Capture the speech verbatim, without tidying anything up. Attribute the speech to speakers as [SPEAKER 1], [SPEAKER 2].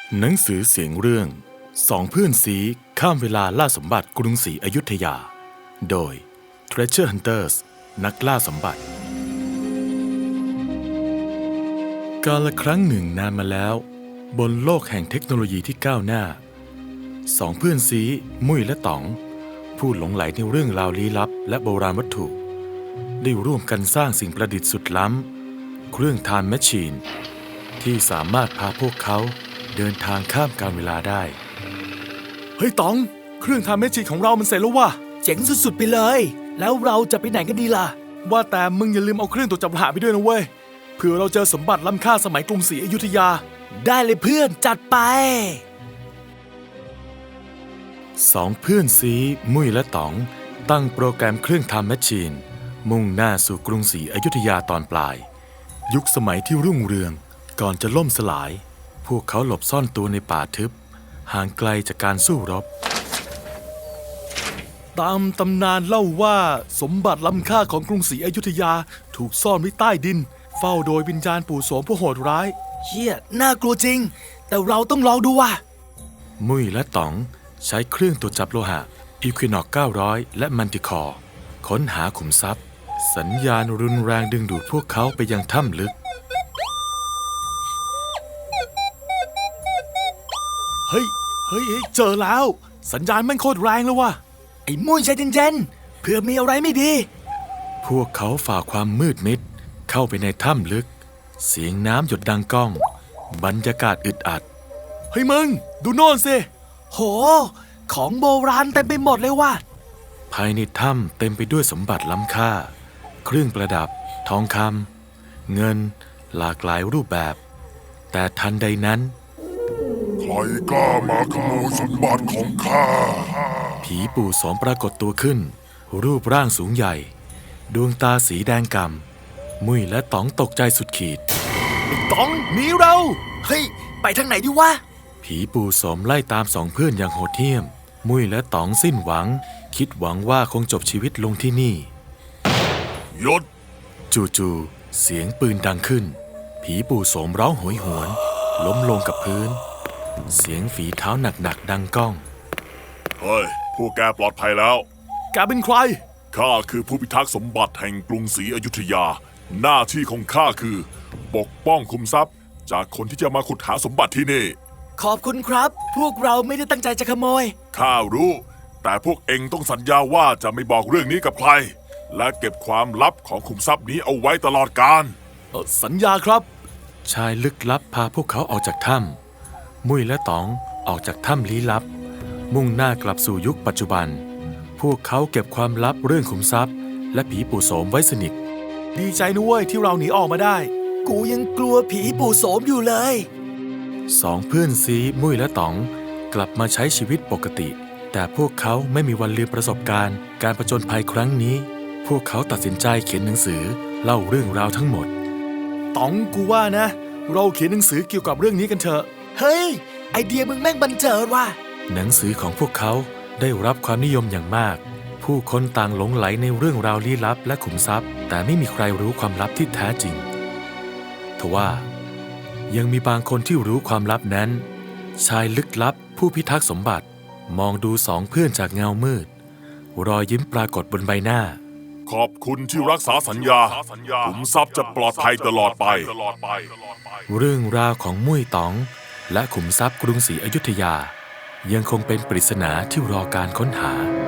[SPEAKER 1] หนังสือเสียงเรื่องสองเพื่อนซีข้ามเวลาล่าสมบัติกรุงศรีอยุธยาโดย Treasure Hunters นักล่าสมบัติกาลครั้งหนึ่งนานมาแล้วบนโลกแห่งเทคโนโลยีที่ก้าวหน้าสองเพื่อนซีมุ้ยและต๋องผู้หลงไหลในเรื่องราวลี้ลับและโบราณวัตถุได้ร่วมกันสร้างสิ่งประดิษฐ์สุดล้ำเครื่องไทม์แมชชีนที่สามารถพาพวกเขาเดินทางข้ามกาลเวลาได้เฮ้ยต๋องเครื่องไทม์แมชชีนของเรามันเสร็จแล้วว่ะ
[SPEAKER 2] เจ๋งสุดๆไปเลยแล้วเราจะไปไหนกันดีล่ะ
[SPEAKER 1] ว่าแต่มึงอย่าลืมเอาเครื่องตรวจจับรหัสไปด้วยนะเว้ยเผื่อเราเจอสมบัติล้ำค่าสมัยกรุงศรีอยุธยา
[SPEAKER 2] ได้เลยเพื่อนจัดไป
[SPEAKER 1] สองเพื่อนซีมุ้ยและต๋องตั้งโปรแกรมเครื่องไทม์แมชชีนมุ่งหน้าสู่กรุงศรีอยุธยาตอนปลายยุคสมัยที่รุ่งเรืองก่อนจะล่มสลายพวกเขาหลบซ่อนตัวในป่าทึบห่างไกลจากการสู้รบตามตำนานเล่าว่าสมบัติล้ำค่าของกรุงศรีอยุธยาถูกซ่อนไว้ใต้ดินเฝ้าโดยวิญญาณปู่โสมผู้โหดร้าย
[SPEAKER 2] เฮียน่ากลัวจริงแต่เราต้องลองดูว่ะ
[SPEAKER 1] มุ้ยและต๋องใช้เครื่องตรวจจับโลหะ Equinox เก้าร้อยและมันติคอร์ค้นหาขุมทรัพย์สัญญาณรุนแรงดึงดูดพวกเขาไปยังถ้ำลึกเฮ้ยเฮ้ยเจอแล้วสัญญาณแม่งโคตรแรงเลยว่ะ
[SPEAKER 2] ไอ้มุ้ยใจเย็นๆเพื่อมีอะไรไม่ดี
[SPEAKER 1] พวกเขาฝ่าความมืดมิดเข้าไปในถ้ำลึกเสียงน้ำหยดดังก้องบรรยากาศอึดอัดเฮ้ยมึงดูโน่นสิ
[SPEAKER 2] โหของโบราณเต็มไปหมดเลยว่ะ
[SPEAKER 1] ภายในถ้ำเต็มไปด้วยสมบัติล้ำค่าเครื่องประดับทองคำเงินหลากหลายรูปแบบแต่ทันใดนั้น
[SPEAKER 3] ใครกล้ามาขโมยสมบัติของข้า
[SPEAKER 1] ผีปู่โสมปรากฏตัวขึ้นรูปร่างสูงใหญ่ดวงตาสีแดงกำมุ้ยและต๋องตกใจสุดขีด
[SPEAKER 2] ไอ้ต๋องหนีเราเฮ้ยไปทางไหนดีวะ
[SPEAKER 1] ผีปู่โสมไล่ตามสองเพื่อนอย่างโหดเหี้ยมมุ้ยและต๋องสิ้นหวังคิดหวังว่าคงจบชีวิตลงที่นี่
[SPEAKER 3] หยศ
[SPEAKER 1] จู่ๆเสียงปืนดังขึ้นผีปู่โสมร้องโหยหวนล้มลงกับพื้นเสียงฝีเท้าหนักๆดังก้อง
[SPEAKER 3] เฮ้ยพวกแกปลอดภัยแล้ว
[SPEAKER 1] แกเป็นใคร
[SPEAKER 3] ข้าคือผู้พิทักษ์สมบัติแห่งกรุงศรีอยุธยาหน้าที่ของข้าคือปกป้องคุมทรัพย์จากคนที่จะมาขุดหาสมบัติที่นี่
[SPEAKER 2] ขอบคุณครับพวกเราไม่ได้ตั้งใจจะขโมย
[SPEAKER 3] ข้ารู้แต่พวกเองต้องสัญญาว่าจะไม่บอกเรื่องนี้กับใครและเก็บความลับของคุมทรัพย์นี้เอาไว้ตลอดกาล
[SPEAKER 1] สัญญาครับชายลึกลับพาพวกเขาออกจากถ้ำมุ้ยและต๋องออกจากถ้ำลี้ลับมุ่งหน้ากลับสู่ยุคปัจจุบันพวกเขาเก็บความลับเรื่องขุมทรัพย์และผีปู่โสมไว้สนิทดีใจนะเว้ยที่เราหนีออกมาได้
[SPEAKER 2] กูยังกลัวผีปู่โสมอยู่เลย
[SPEAKER 1] สองเพื่อนซีมุ้ยและต๋องกลับมาใช้ชีวิตปกติแต่พวกเขาไม่มีวันลืมประสบการณ์การผจญภัยครั้งนี้พวกเขาตัดสินใจเขียนหนังสือเล่าเรื่องราวทั้งหมดต๋องกูว่านะเราเขียนหนังสือเกี่ยวกับเรื่องนี้กันเถอะ
[SPEAKER 2] เฮ้ยไอเดียมึงแม่งบันเจิดว่ะ
[SPEAKER 1] หนังสือของพวกเขาได้รับความนิยมอย่างมากผู้คนต่างหลงไหลในเรื่องราวลี้ลับและขุมทรัพย์แต่ไม่มีใครรู้ความลับที่แท้จริงทว่ายังมีบางคนที่รู้ความลับนั้นชายลึกลับผู้พิทักษ์สมบัติมองดูสองเพื่อนจากเงามืดรอยยิ้มปรากฏบนใบหน้า
[SPEAKER 3] ขอบคุณที่รักษาสัญญาขุมทรัพย์จะปลอดภัยตลอดไป
[SPEAKER 1] เรื่องราวของมุ้ยต๋องและขุมทรัพย์กรุงศรีอยุธยายังคงเป็นปริศนาที่รอการค้นหา